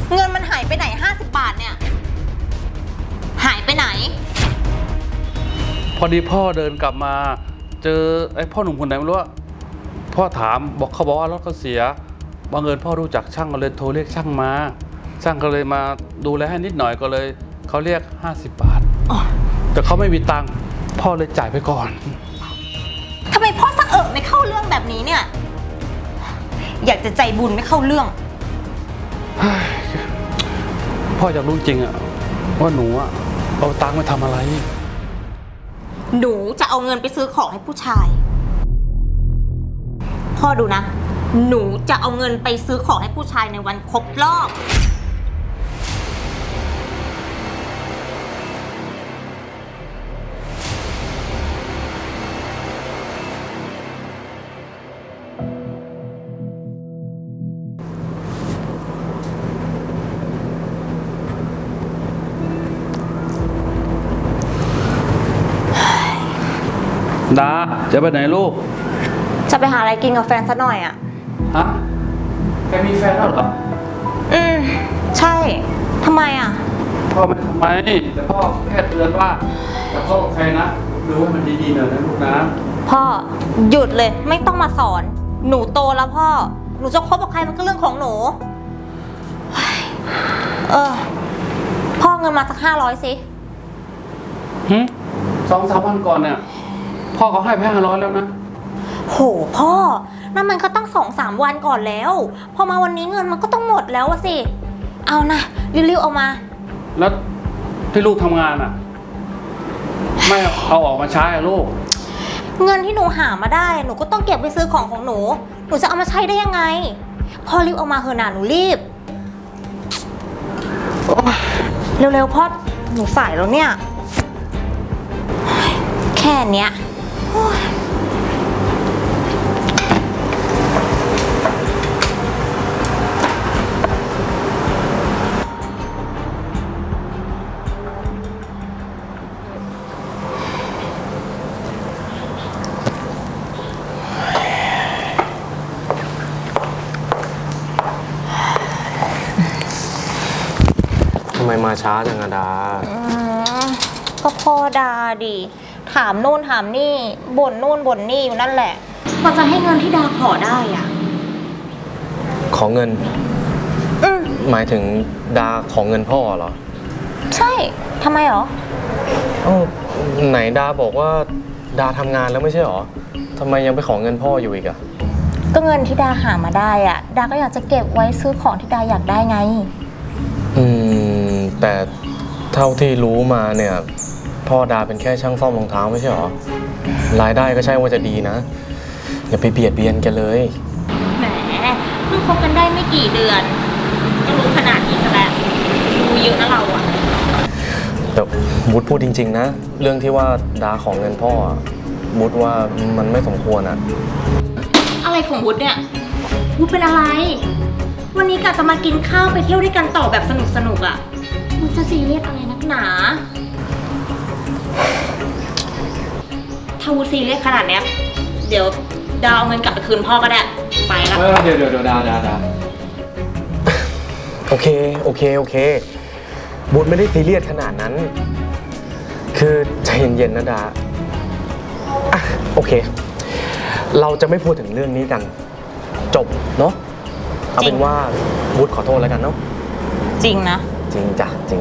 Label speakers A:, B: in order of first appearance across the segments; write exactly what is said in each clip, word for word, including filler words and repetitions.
A: เงินมันหายไปไหนห้าสิบบาทเนี่ยหายไปไหน
B: พอดีพ่อเดินกลับมาเจอไอ้พ่อหนุ่มคนไหนไม่รู้ว่าพ่อถามบอกเขาบอกว่ารถเขาเสียบังเอิญพ่อรู้จักช่างก็เลยโทรเรียกช่างมาช่างก็เลยมาดูแลให้นิดหน่อยก็เลยเขาเรียกห้าสิบบาทแต่เขาไม่มีตังค์พ่อเลยจ่ายไปก่อน
A: ทำไมพ่อสะเอิบไม่เข้าเรื่องแบบนี้เนี่ยอยากจะใจบุญไม่เข้าเรื่อง
B: พ่ออยากรู้จริงอะว่าหนูอะเอาตังค์ไปทำอะไร
A: หนูจะเอาเงินไปซื้อของให้ผู้ชายพ่อดูนะหนูจะเอาเงินไปซื้อของให้ผู้ชายในวันครบรอบ
B: ดาจะไปไหนลูก
A: จะไปหาอะไรกินกับแฟนซะหน่อยอ่ะ
B: ฮะแกมีแฟนแล้วเหรอ
A: อืมใช่ทำไมอ่ะ
B: พ่อไม่ทำไมแต่พ่อแค่เตือนว่าแต่พ่อกับใครนะดูว่ามันดีๆหน่อยนะลูกนะ
A: พ่อหยุดเลยไม่ต้องมาสอนหนูโตแล้วพ่อหนูจะคบกับใครมันก็เรื่องของหนูเออพ่อเงินมาสักห้าร้อยสิ
B: ฮึสองสามวันก่อนเนี่ยพ่อเขาให้ไปห้าร้อยแล้วนะ
A: โหพ่อนั่นมันก็ต้องสองสามวันก่อนแล้วพอมาวันนี้เงินมันก็ต้องหมดแล้วสิเอานะรีบๆเอามา
B: แล้วที่ลูกทำงานอ่ะไม่เอาออกมาใช้อะลูก
A: เงินที่หนูหามาได้หนูก็ต้องเก็บไปซื้อของของหนูหนูจะเอามาใช้ได้ยังไงพ่อรีบเอามาเถอะนะหนูรีบเร็วๆพ่อหนูสายแล้วเนี่ยแค่เนี้ย
C: ทำไมมาช้าจังอะดา
A: ก็พ่อดาดิถามโน่นถามนี่บ่นโน่นบ่นนี่อยู่นั่นแหละพอจะให้เงินที่ดาขอได้อ่ะ
C: ขอเงิน
A: อืม
C: หมายถึงดาขอเงินพ่อเหรอ
A: ใช่ทำไมหรอ
C: อ้าวไหนดาบอกว่าดาทำงานแล้วไม่ใช่หรอทำไมยังไปขอเงินพ่ออยู่อีกอะ
A: ก็เงินที่ดาหามาได้อ่ะดาก็อยากจะเก็บไว้ซื้อของที่ดาอยากได้ไง
C: อืมแต่เท่าที่รู้มาเนี่ยพ่อดาเป็นแค่ช่างซ่อมรองเท้าไม่ใช่หรอรายได้ก็ใช่ว่าจะดีนะอย่าไปเบียดเบียนกันเลย
A: แหมเพิ่งคบกันได้ไม่กี่เดือนก็รู้ขนาดนี้ซะแล้วรู้เยอะนะเราอะ
C: แต่วุฒิพูดจริงๆนะเรื่องที่ว่าดาของเงินพ่อวุฒิว่ามันไม่สมควรอะ
A: อะไรของวุฒิเนี่ยวุฒิเป็นอะไรวันนี้กะจะมากินข้าวไปเที่ยวด้วยกันต่อแบบสนุกสนุกอะวุฒิจะซีเรียสอะไรนักหนาถ้าวุฒิซีเรียสขนาดเนี้ยเดี๋ยวดาวเอาเงินกลับไปคืนพ่อก็ได้ไปแล้ว
C: เดี๋ยวเดี๋ยวเดี๋ยวดาดาดาโอเคโอเคโอเควุฒิไม่ได้ซีเรียสขนาดนั้นคือใจเย็นๆนะดาอ่ะโอเคเราจะไม่พูดถึงเรื่องนี้กันจบเนาะเอาเป็นว่าวุฒิขอโทษแล้วกันเนาะ
A: จริงนะ
C: จริงจ้ะจริง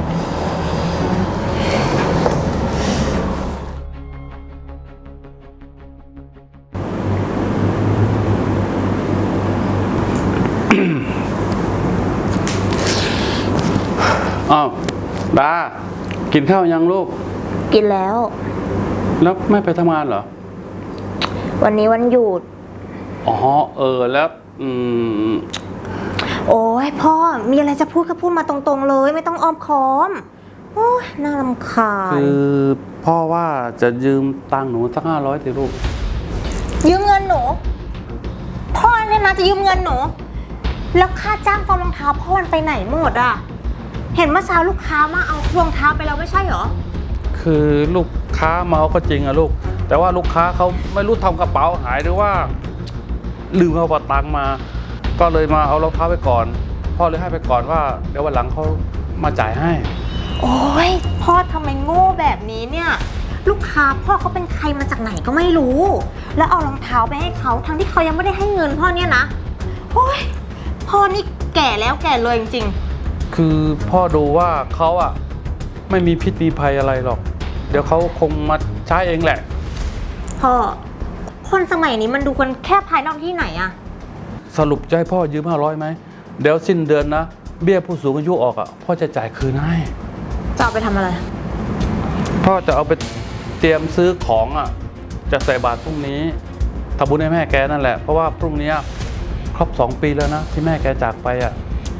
B: อ้าวดากินข้าวยังลูก
A: กินแล้ว
B: แล้วไม่ไปทำงานเหรอ
A: วันนี้วันหยุด
B: อ๋อเออแล้วอืม
A: โอ้ยพ่อมีอะไรจะพูดก็พูดมาตรงๆเลยไม่ต้องอ้อมค้อมโอ้ยน่ารำคาญ
B: คือพ่อว่าจะยืมตังค์หนูสักห้าร้อยสิลูก
A: ยืมเงินหนูพ่อเนี่ยนะจะยืมเงินหนูแล้วค่าจ้างฟอร์มรองเท้าพ่อมันไปไหนหมดอ่ะเห็นเมื่อเช้าลูกค้ามาเอารองเท้าไปแล้วไม่ใช่เหรอ
B: คือลูกค้ามาเอาก็จริงอะลูกแต่ว่าลูกค้าเขาไม่รู้ทำกระเป๋าหายหรือว่าลืมเอาบัตรตังค์มาก็เลยมาเอารองเท้าไปก่อนพ่อเลยให้ไปก่อนว่าเดี๋ยววันหลังเขามาจ่ายให้
A: โอ้ยพ่อทำไมโง่แบบนี้เนี่ย ลูกค้าพ่อเขาเป็นใครมาจากไหนก็ไม่รู้ แล้วเอารองเท้าไปให้เขาทั้งที่เขายังไม่ได้ให้เงินพ่อเนี่ยนะโอ้ยพ่อนี่แก่แล้วแก่เลยจริง
B: คือพ่อดูว่าเขาอะไม่มีพิษมีภัยอะไรหรอก เดี๋ยวเขาคงมาใช้เองแหละ
A: ๆพ่อคนสมัยนี้มันดูกันแค่ภายนอกที่ไหนอะ
B: สรุปจะให้พ่อยืมห้าร้อยไหมเดี๋ยวสิ้นเดือนนะเบี้ยผู้สูงอายุออกอะพ่อจะจ่ายคืนให้
A: จะเอาไปทำอะไร
B: พ่อจะเอาไปเตรียมซื้อของอะจะใส่บาตรพรุ่งนี้ทำบุญให้แม่แกนั่นแหละเพราะว่าพรุ่งนี้ครบสองปีแล้วนะที่แม่แกจากไปอะ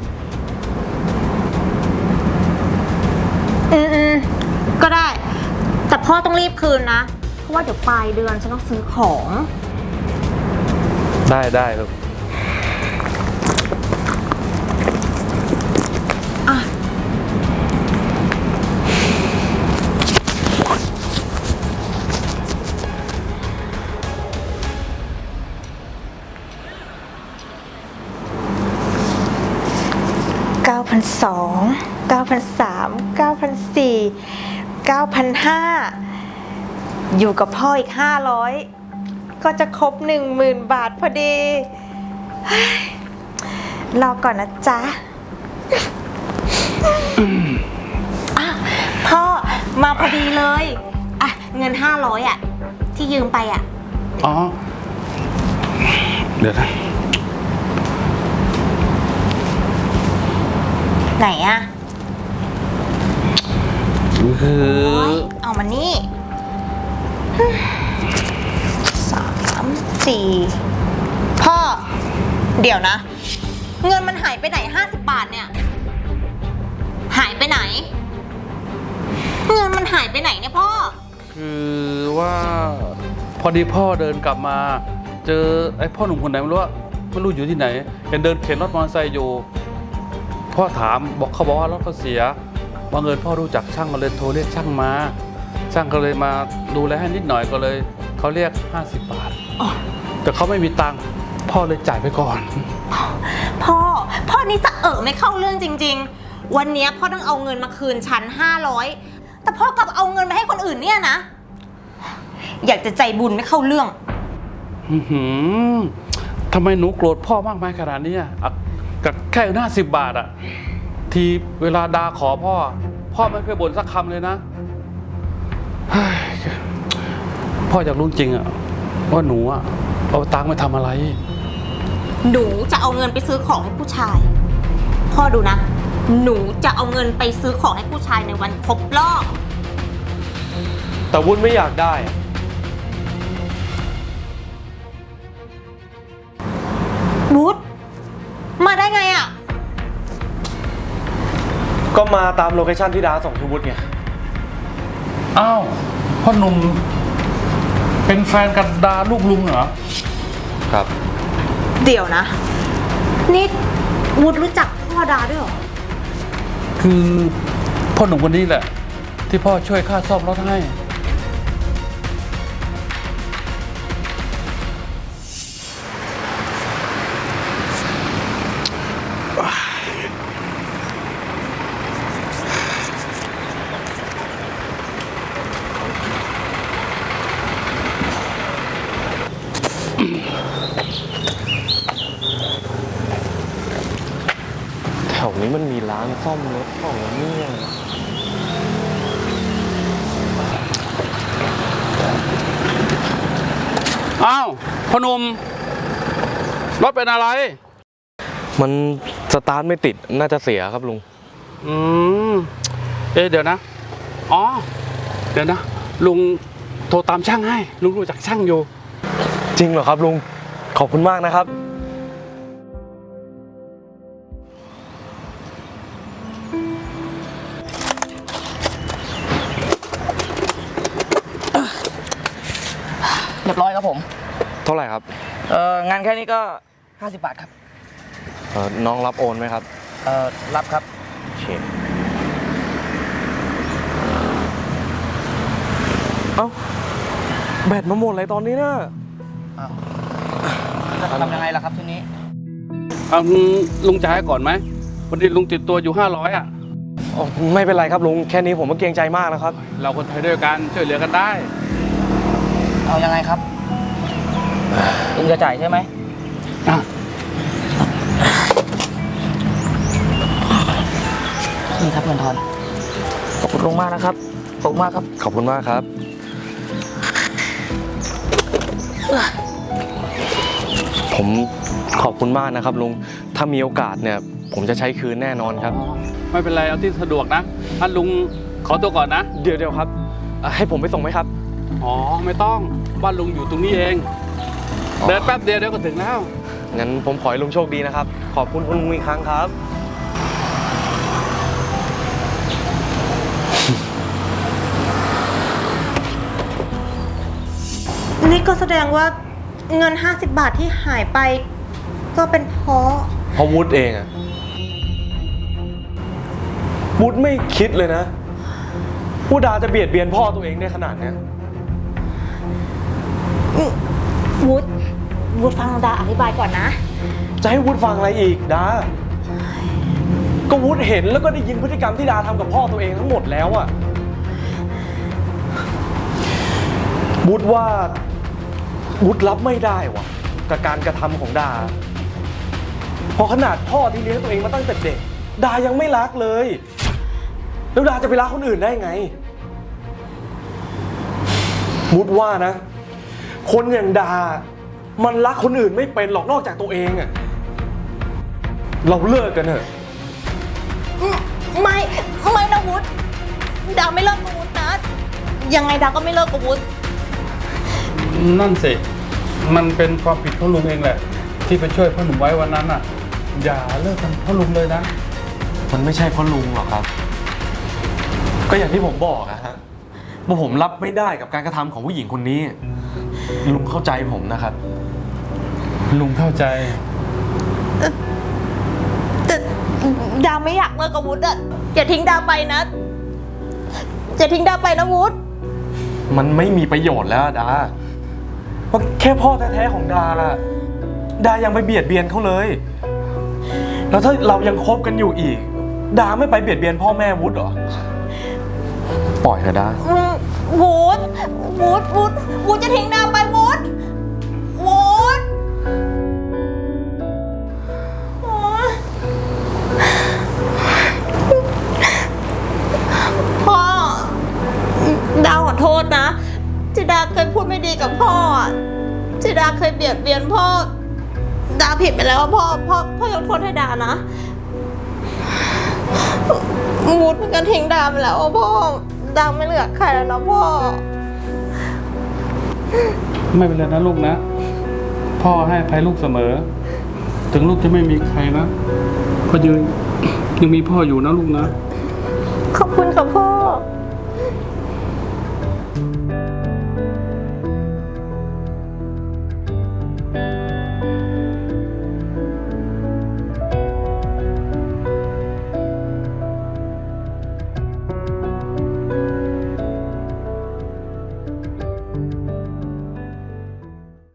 A: อืมอืมก็ได้ แต่พ่อต้องรีบคืนนะ เพราะว่าเดี๋ยวปลายเดือนฉันต้องซื้อของ
B: ได้ได้ครับ
A: อ่ะเก้าพันสองเก้าพันสามเก้าพันสี่เก้าพันห้าอยู่กับพ่ออีกห้าร้อยก็จะครบหนึ่งหมื่นบาทพอดีเฮ้ยรอก่อนนะจ๊ะ อ่ะพ่อมาพอดีเลยอ่ะเงินห้าร้อยอ่ะที่ยืมไปอ่ะ
B: อ๋อเดี๋ยวนะ
A: ไหนอ่ะ
B: คือ
A: โอ๊ยเอามานี่สามสี่พ่อ เดี๋ยวนะ เงินมันหายไปไหนห้าสิบบาทเนี่ย หายไปไหน เงินมันหายไปไหนเนี่ยพ่อ
B: คือว่าพอดีพ่อเดินกลับมา เจอไอ้พ่อหนุ่มคนไหนไม่รู้ว่าไม่รู้อยู่ที่ไหนเห็นเดินเข็นรถมอเตอร์ไซค์อยู่พ่อถามบอกเขาบอกว่ารถเขาเสียบังเอิญพ่อรู้จักช่างก็เลยโทรเรียกช่างมาช่างก็เลยมาดูแลให้นิดหน่อยก็เลยเขาเรียกห้าสิบบาท
A: อ๋อ
B: แต่เขาไม่มีตังค์พ่อเลยจ่ายไปก่อน
A: พ่อ พ่อนี่จะเออไม่เข้าเรื่องจริงๆ วันนี้พ่อต้องเอาเงินมาคืนฉันห้าร้อยแต่พ่อกลับเอาเงินไปให้คนอื่นเนี่ยนะ อยากจะใจบุญไม่เข้าเรื่อง
B: อื้อหือทำไมหนูโกรธพ่อมากมายขนาดนี้อ่ะอ่ะกับแค่ห้าสิบบาทอ่ะทีเวลาดาขอพ่อ พ่อไม่เคยบ่นสักคำเลยนะเฮ้ยพ่ออยากรู้จริงอ่ะว่าหนูอ่ะเอาตังค์ไปทำอะไร
A: หนูจะเอาเงินไปซื้อของให้ผู้ชาย พ่อดูนะ หนูจะเอาเงินไปซื้อของให้ผู้ชายในวันครบรอบ
C: แต่วุ้นไม่อยากได้อะ
A: บูธมาได้ไงอะ
C: ก็มาตามโลเคชั่นที่ดาส่งให้วุ้นไง
B: อ้าวพ่อหนุ่มเป็นแฟนกับดาลูกลุงเหรอ
C: ครับ
A: เดี๋ยวนะ นี่บูธรู้จักพ่อดาด้วยเหรอ
B: คือพ่อหนุ่มคนนี้แหละ ที่พ่อช่วยค่าซ่อมรถให้
C: แถวนี้มันมีร้านซ่อมรถของเนี่ย
B: อ้าวพ่อหนุ่มรถเป็นอะไร
C: มันสตาร์ทไม่ติดน่าจะเสียครับลุง
B: อืมเอ๊ะเดี๋ยวนะ อ๋อ เดี๋ยวนะ ลุงโทรตามช่างให้ ลุงรู้จักช่างอยู่
C: จริงเหรอครับลุง ขอบคุณมากนะครับ
D: เรียบร้อยครับผม
C: เท่าไหร่ครับ
D: เอ่องานแค่นี้ก็ห้าสิบบาทครับ
C: เอ่อน้องรับโอนไหมครับ
D: เอ่อรับครับ
C: โอเค เอ้า แบตมาหมดเลยตอนนี้นะ
D: อ้าวจะทำยังไงล่ะครับทีนี้
B: เอาลุงจ่ายให้ก่อนไหมอดีลุงติดตัวอยู่ห้าร้อยอ่ะ
C: อ๋อไม่เป็นไรครับลุง แค่นี้ผมก็เกรงใจมากแล้วครับ
B: เราคนไทยด้วยกันช่วยเหลือกันได้
D: เอายังไงครับลุงจะจ่ายใช่ไหม
B: อ่ะ
D: นี่ครับเงินทอน ขอบคุณลุงมากนะครับ ขอบคุณมากครับ
C: ขอบคุณมากครับ ผมขอบคุณมากนะครับลุง ถ้ามีโอกาสเนี่ย ผมจะใช้คืนแน่นอนครับ
B: ไม่เป็นไรเอาที่สะดวกนะท่านลุงขอตัวก่อนนะ
C: เดี๋ยวเดี๋ยวครับอ่ะให้ผมไปส่งไหมครับ
B: อ๋อไม่ต้องบ้านลุงอยู่ตรงนี้เอง
C: อ๋อ
B: เดินแป๊บเดียวเดี๋ยวก็ถึงแล้ว
C: งั้นผมขอให้ลุงโชคดีนะครับ ขอบคุณคุณลุงอีกครั้งครับ
A: นี่ก็แสดงว่าเงิน ห้าสิบบาทที่หายไป ก็เป็นเพราะ
C: เพราะวุฒิเองอะวุฒิไม่คิดเลยนะว่าดาจะเบียดเบียนพ่อตัวเองได้ขนาดเนี้ย
A: วุฒิวุฒิฟังดาอธิบายก่อนนะ
C: จะให้วุฒิฟังอะไรอีกดา ก็วุฒิเห็นแล้วก็ได้ยินพฤติกรรมที่ดาทำกับพ่อตัวเองทั้งหมดแล้วอะวุฒิว่าวุฒิรับไม่ได้วะกับการกระทำของดาเพอขนาดพ่อที่เลี้ยงตัวเองมาตั้งแต่เด็กดายังไม่รักเลยแล้วดาจะไปรักคนอื่นได้ไงวุฒิว่านะ คนอย่างดา มันรักคนอื่นไม่เป็นหรอกนอกจากตัวเองอะเราเลิกกันเถอะ
A: ไม่ ไม่นะวุฒิดาไม่เลิกกับวุฒินะ ยังไงดาก็ไม่เลิกกับวุฒิ
B: นั่นสิมันเป็นความผิดของลุงเองแหละ ที่ไปช่วยพ่อหนุ่มไว้วันนั้นอ่ะ อย่าเลิกกันเพ่อลุงเลยนะ
C: มันไม่ใช่เพราะลุงหรอกครับ ก็อย่างที่ผมบอกอะฮะว่าผมรับไม่ได้กับการกระทำของผู้หญิงคนนี้ ลุงเข้าใจผมนะครับ
B: ลุงเข้าใจ
A: แต่ดาไม่อยากเลิกกับวุฒิอะอย่าทิ้งดาไปนะอย่าทิ้งดาไปนะวุฒิ
C: มันไม่มีประโยชน์แล้วอะดาเพราะแค่พ่อแท้ๆของดา ดายังไปเบียดเบียนเขาเลย แล้วถ้าเรายังคบกันอยู่อีก ดาไม่ไปเบียดเบียนพ่อแม่วุฒิเหรอ ปล่อยเถอะดา
A: อืมวุฒิวุฒิวุฒิวุฒิจะทิ้งดาไปวุฒิวุฒิโอ๊ยพ่อดาขอโทษนะที่ดาเคยพูดไม่ดีกับพ่ออะที่ดาเคยเบียดเบียนพ่อดาผิดไปแล้วอะพ่อพ่อพ่อยกโทษให้ดานะวุฒิมันก็ทิ้งดาไปแล้วอะพ่อดาไม่เหลือใครแล้วนะพ่อ
B: ไม่เป็นไรนะลูกนะ พ่อให้อภัยลูกเสมอ ถึงลูกจะไม่มีใครนะก็ยังยังมีพ่ออยู่นะลูกนะ
A: ขอบคุณค่ะพ่อ